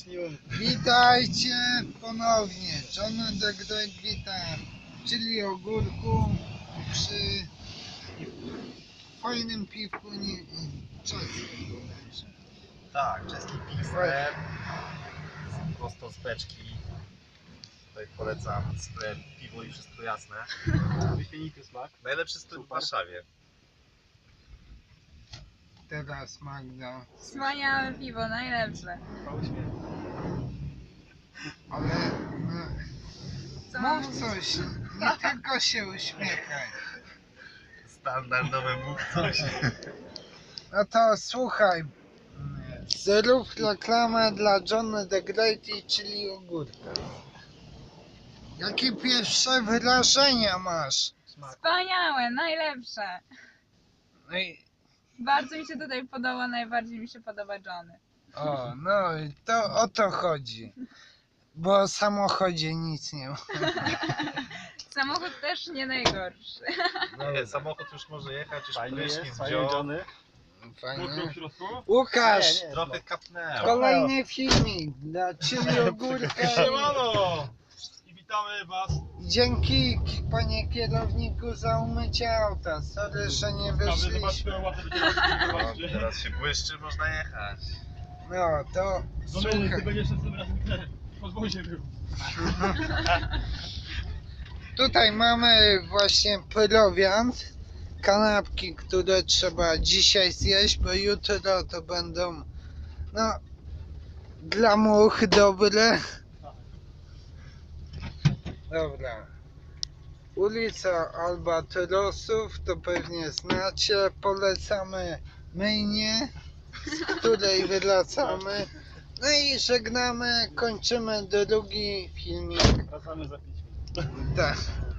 Śniłem. Witajcie ponownie. John the Great witam, czyli ogórku przy fajnym piwku czeskim bodajże. Tak, czeski Pilsner. Prosto z beczki. Tutaj polecam sklep, piwo i wszystko jasne. Wyśmienity smak. Najlepszy sklep w Warszawie. Teraz Magda. Wspaniałe piwo, najlepsze. Ale no, Co mam mów mówić? coś, nie tylko się uśmiechaj. Standardowe mów coś. No to słuchaj, zrób reklamę dla John the Great, czyli ogórka. Jakie pierwsze wrażenia masz? Wspaniałe, najlepsze. No i, Bardzo mi się tutaj podoba, najbardziej mi się podoba Johnny. no i to o to chodzi. Bo o samochodzie nic nie ma. Samochód też nie najgorszy. Nie, samochód już może jechać, już Fajnie prysznic jest, fajnie wziął. Johnny. Fajnie. w środku? Łukasz, Trochę kapnęło. kolejny filmik dla Ciebie ogórka. Siemano! I witamy was. Dzięki panie kierowniku za umycie auta. Sorry, że nie wyszliśmy. Zobaczmy, ładne No, będzie. teraz się błyszczy, można jechać. No to Domeny, ty słuchaj. będziesz tym razem w podwozie był. Tutaj mamy właśnie prowiant. Kanapki, które trzeba dzisiaj zjeść, bo jutro to będą no dla much dobre. Dobra. Ulica Albatrosów, to pewnie znacie. Polecamy myjnię, z której wracamy. No i żegnamy, kończymy drugi filmik. Wracamy za 5 minut. Tak.